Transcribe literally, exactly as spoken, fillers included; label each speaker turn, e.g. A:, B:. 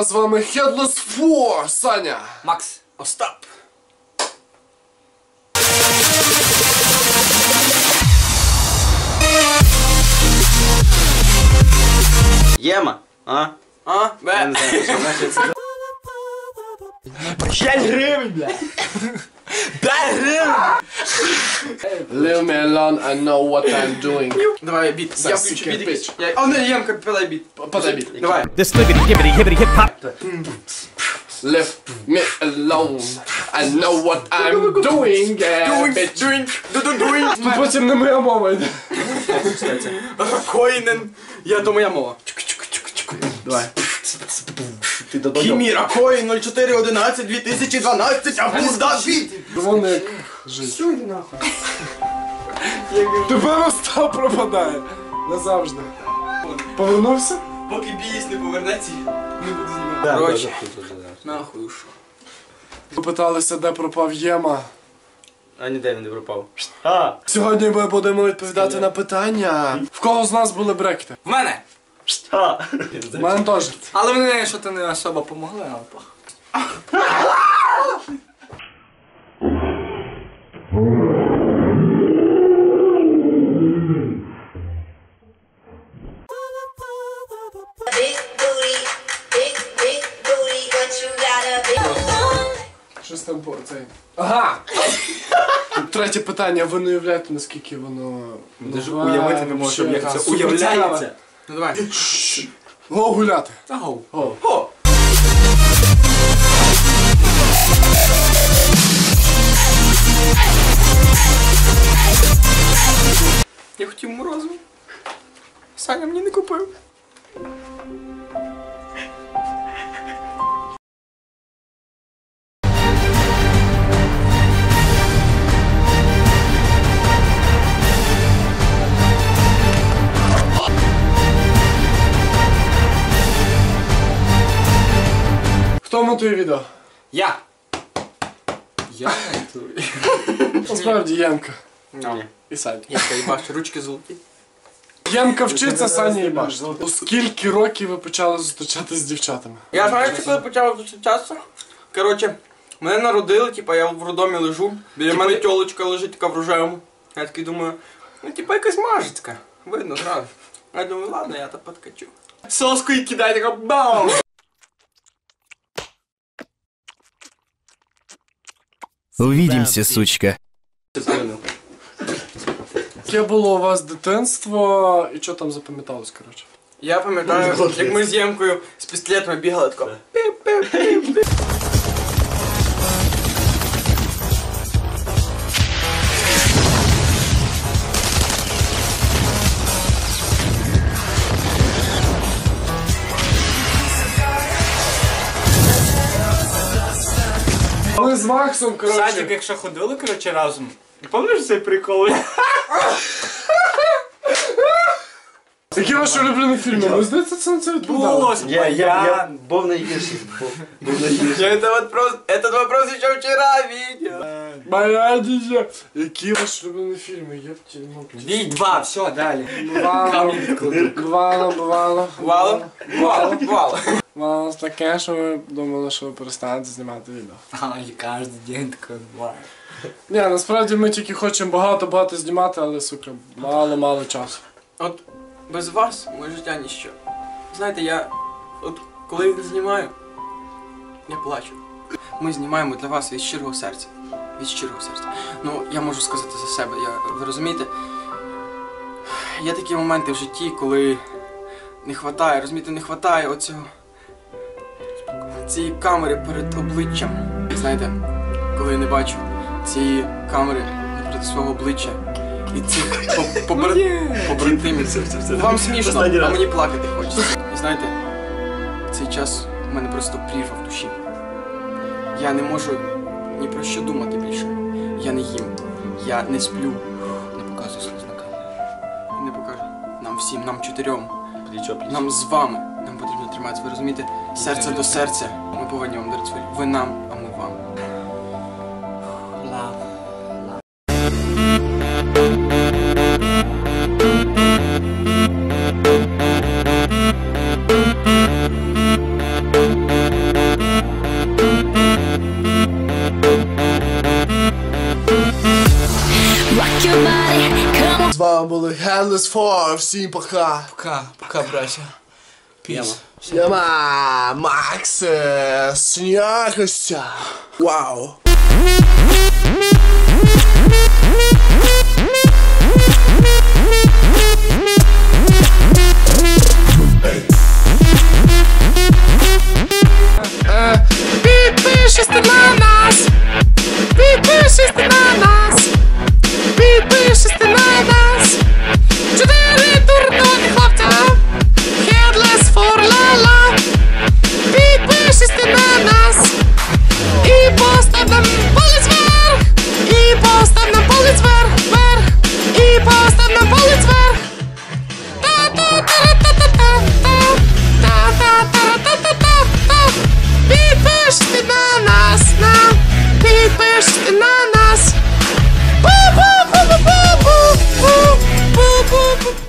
A: з вами Headless Four, Саня,
B: Макс, Остап.
C: Єма, а?
B: А? Бе. п'ять гривень, бля. п'ять гривень.
A: Leave me alone, I know what I'm doing.
B: Давай біт. Я включу біт якийсь. Я- А, не, Ємка, подай біт.
A: Подай біт.
B: Давай.
D: This libbity gibbity hibbity hip hop.
A: Leave me alone, I know what I'm doing, yeah,
B: Doing,
A: bitch.
B: doing, doing, doing.
A: Потім не моя мова йде.
B: Коїнен. Я то моя мова. Давай.
C: Ти додому.
B: Кіміра Коїн нуль чотири одинадцять дві тисячі дванадцять, а пузда біт.
A: Вони як жить.
B: Що йди нахуй?
A: Тепер Остап пропадає. Назавжди. Повернувся?
B: Поки біїсь не повернеться, не буду знімати. Короче, нахуй ушов.
A: Попиталися, де пропав Єма.
C: А ніде він не пропав. А!
A: Сьогодні ми будемо відповідати на питання. В кого з нас були брекети?
B: В мене!
C: А!
A: У мене теж.
B: Але вони що то не особо помогли, але пох.
E: Big booty, big, big booty, but you got a big
A: Щось там по цей. Ага! Третє питання. Ви не уявляєте, наскільки воно...
C: Даже
A: нове,
C: уявити не можу,
A: вообще,
C: як
A: та,
C: це
A: супер
C: уявляється.
A: цікаве.
B: Ну давай.
A: Го гуляти.
B: Ау.
A: Го.
B: О! Я хотів морозиво. Саня мені не купив.
A: Хто монтує відео?
B: Я. Я монтую.
A: Насправді Ємка.
B: Ну.
A: І Саня.
B: Я їбаш, ручки золоті.
A: Ємка вчиться, Саня їбаш. У скільки років ви почали зустрічатися з дівчатами?
B: Я знаю, що коли почав зустрічатися. Коротше, мене народили, типа я в роддомі лежу. Біля мене тьолочка лежить така в рожевому. Я такий думаю, ну типа якась мажицька. Видно зразу. Я думаю, ладно, я то подкачу. Соску і кидаю, така бам!
D: Увидимся, сучка.
A: Яке було у вас дитинство і що там запам'яталось, коротше?
B: Я пам'ятаю, як ми з Ємкою з пістолетами бігали тако. Піп-піп-піп.
A: Ми з Максом,
F: Садик,
A: коротше.
F: якщо ходили, коротше, разом. Пам'ятаєш цей прикол?
A: Які ваші улюблені фільми? Ви здається, це на це відповідали?
F: Було.
C: Я, я, я був найгірший. Був, був найгірший.
B: Я этот вопрос, этот вопрос еще вчера видел.
A: Моя дідя. Які ваші улюблені фільми? Я в тільмо.
F: Бій два, все, далі.
A: Бувало, бувало, бувало.
B: Вало? Вало, вало.
A: Бувало таке, що ви думали, що ви перестанете знімати відео.
F: А, і кожен день таке буває.
A: Ні, насправді ми тільки хочемо багато-багато знімати, але, сука, мало-мало часу.
B: От без вас моє життя ніщо. Знаєте, я от коли я знімаю, я плачу. Ми знімаємо для вас від щирого серця. Від щирого серця. Ну, я можу сказати за себе, я, ви розумієте? Є такі моменти в житті, коли не хватає, розумієте, не хватає оцього цієї камери перед обличчям. Знаєте, коли я не бачу цієї камери напроти свого обличчя і цих по- побра- побратимів. Вам смішно, а мені плакати хочеться. І знаєте, цей час у мене просто прірва в душі. Я не можу ні про що думати більше. Я не їм, я не сплю. Не показую сліз на камеру. Не покажу. Нам всім, нам чотирьом. Нам з вами. Нам потрібно триматися, ви розумієте? Серце до серця. Ми повинні вам дарити свої. Ви нам, а ми вам.
F: Лав.
E: booty.
A: вами були Headless four. Всім пока.
B: Пока, пока, браття. Піс.
A: Яма, Макс, снякостя. Вау. Підпишись на нас. Підпишись на нас. Підпишись на нас. Чотири дурної хлопця. Headless four, ла-ла. Підпишись на нас. І постав нам палець вверх. І постав нам палець вверх, вверх. І постав нам палець